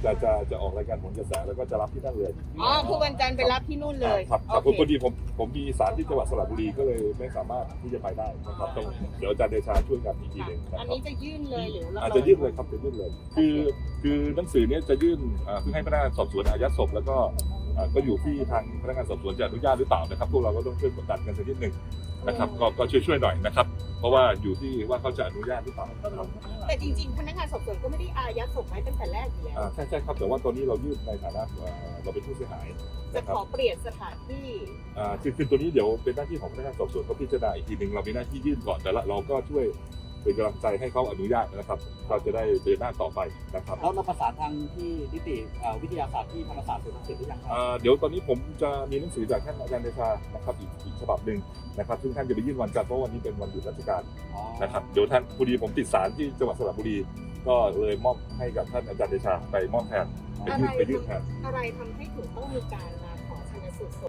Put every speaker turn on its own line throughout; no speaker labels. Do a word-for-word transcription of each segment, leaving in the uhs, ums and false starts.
จะจะจะออกรายการผลกระแสแล้วก็จะรับที่นั่นเลย
อ๋อคือวันจันทร์ไปรับที่นู่นเลย
ครับครับพอดีผมผมมีสารที่จังหวัดสระบุรีก็เลยไม่สามารถที่จะไปได้นะครับต้องเดี๋ยวอาจารย์เดชาช่วยกันอีกทีหนึ่งนะ
อัน
ครับ
นี้จะยื่นเลยหรือเรา
อาจจะยื่นเลยครับจะยื่นเลยคือคือหนังสือเนี้ยจะยื่นเพื่อให้พนักงานสอบสวนอายัดศพแล้วก็ก็อยู่ที่ทางพนักงานสอบสวนจะอนุญาตหรือเปล่านะครับพวกเราก็ต้องช่วยกดดันกันสักนิดหนึ่งนะครับก็ก็ช่วยช่วยหน่อยนะครับเพราะว่าอยู่ที่ว่าเขาจะอนุญาตหรือเปล่านะครับ
แต่จริงๆพนักงานสอบสวนก็ไม่ได้อายัดศพไว้ตั้งแต่แรกอยู่แล้ว
ใช่ใช่ครับแต่ว่าตอนนี้เรายื่นในฐานะเราเป็นผู้เสียหาย
จะขอเปลี่ยนสถานที่
คือคือตัวนี้เดี๋ยวเป็นหน้าที่ของพนักงานสอบสวนเขาพิจารณาอีกทีหนึ่งเรามีหน้าที่ยื่นก่อนแต่ละเราก็ช่วยเป็นกำลังใจให้เขาอนุญาตนะครับเราจะได้เดินหน้าต่อไปนะครับ
แล้วเราประสานทางที่นิติวิทยาศาสตร์ที่ธรรมศาสตร์เสร็จหรือยังครับ
เดี๋ยวตอนนี้ผมจะมีหนังสือจากท่านอาจารย์เดชานะครับอีกอีกฉบับหนึ่งนะครับซึ่งท่านจะไปยื่นวันจันทร์เพราะวันนี้เป็นวันหยุดราชการนะครับเดี๋ยวท่านพอดีผมติดศาลที่จังหวัดสระบุรีก็เลยมอบให้กับท่านอาจารย์เดชาไปมอบแทนไปยื่นไปยื่นแทน
อะไรทำให้ถึงต้องมีการมาขอชันสูตรศพ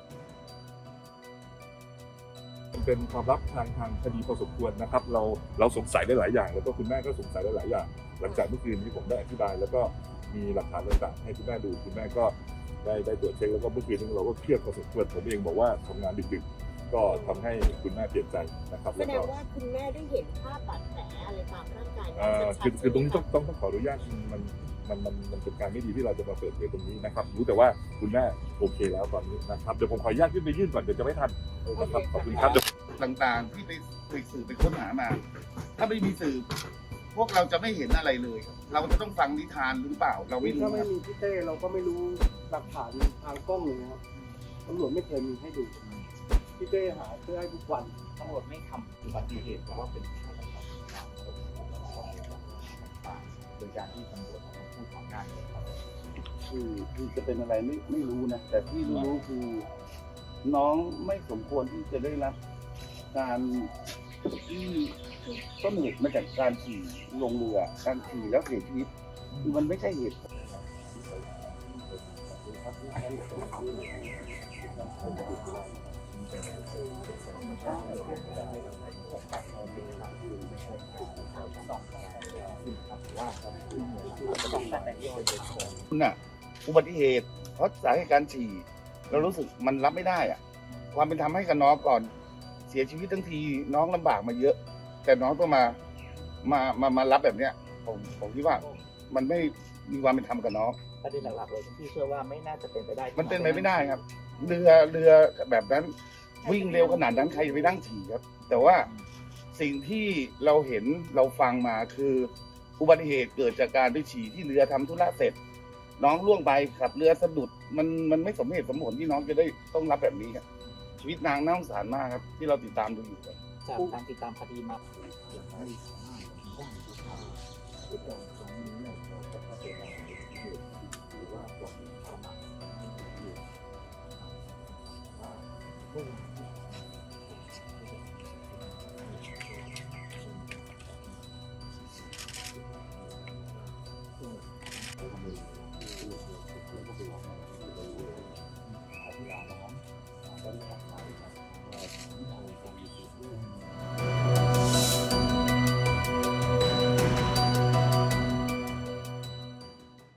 เป็นความลับทางทางคดีพอสมควรนะครับเราเราสงสัยได้หลายอย่างแล้วก็คุณแม่ก็สงสัยได้หลายอย่างหลังจากเมื่อคืนที่ผมได้อธิบายแล้วก็มีหลักฐานต่างๆให้คุณแม่ดูคุณแม่ก็ได้ได้ตรวจเช็คแล้วก็เมื่อคืนนี้เราก็เครียดพอสมควรผมเองบอกว่าทำงานดึกๆก็ทำให้คุณแม่เปลี่ยนใจนะครับ
แสดงว่าคุณแม่ได้เห็นภาพบาดแผลอะไรตามร่างกาย
คือคือตรงนี้ต้องต้องต้องขออนุญาตมันมันมันมันเป็นการไม่ดีที่เราจะมาเปิดเผยตรงนี้นะครับรู้แต่ว่าคุณแม่โอเคแล้วตอนนี้นะครับเดี๋ยวผมขออนุญาตขึ้นไปยื่นก่อนเดี๋ยวจะไม่ทันนะครับขอบคุณครับ
ต่างๆที่ไปไปสื่อไปค้นหามา ถ้าไม่มีสื่อพวกเราจะไม่เห็นอะไรเลย เราจะต้องฟังนิทานหรือเปล่า เราไม่รู้
ถ้าไม่มีพี่เต้เราก็ไม่รู้หลักฐานทางกล้องเลยนะครับตำรวจไม่เคยมีให้ดูพี่เต้หาเพื่อให้ทุกวัน
ตำรวจไม่ทำอุบัติเหตุเพราะว่าเป็นฆาตกรรมโดยการที่ตำรวจเขาพูดของหน้าเนี่ยครับ
คือคือจะเป็นอะไรไม่ไม่รู้นะแต่ที่รู้คือน้องไม่สมควรที่จะได้รับการที่ต้นเหตุมาจากการขี่ลงเรือการขี่แล้วเสียชีวิตคือมันไม่ใช่เหตุ
คุณน่ะอุบัติเหตุเพราะสาเหตุการฉี่เรารู้สึกมันรับไม่ได้อะความเป็นธรรมให้กับน้องก่อนเสียชีวิตทั้งทีน้องลำบากมาเยอะ แต่น้องต้องมามามามารับแบบเนี้ยผมผมคิดว่ามันไม่มีความเป็นธรรมกับน้อง
ประเด็นหลักๆเลยที่เชื่อว่าไม่น่าจะเป็นไปได้
มันเป็นไปไม่ได้ครับเรือเรือแบบนั้นวิ่งเร็วขนาดนั้นใครจะไปนั่งฉี่ครับแต่ว่าสิ่งที่เราเห็นเราฟังมาคืออุบัติเหตุเกิดจากการไปฉี่ที่เรือทำธุระเสร็จน้องล่วงไปขับเรือสะดุดมันมันไม่สมเหตุสมผลที่น้องจะได้ต้องรับแบบนี้ครับชีวิตนางน่าสงสารมากครับที่เราติดตามดูอยู่ครับ
จากการติดตามคดีมา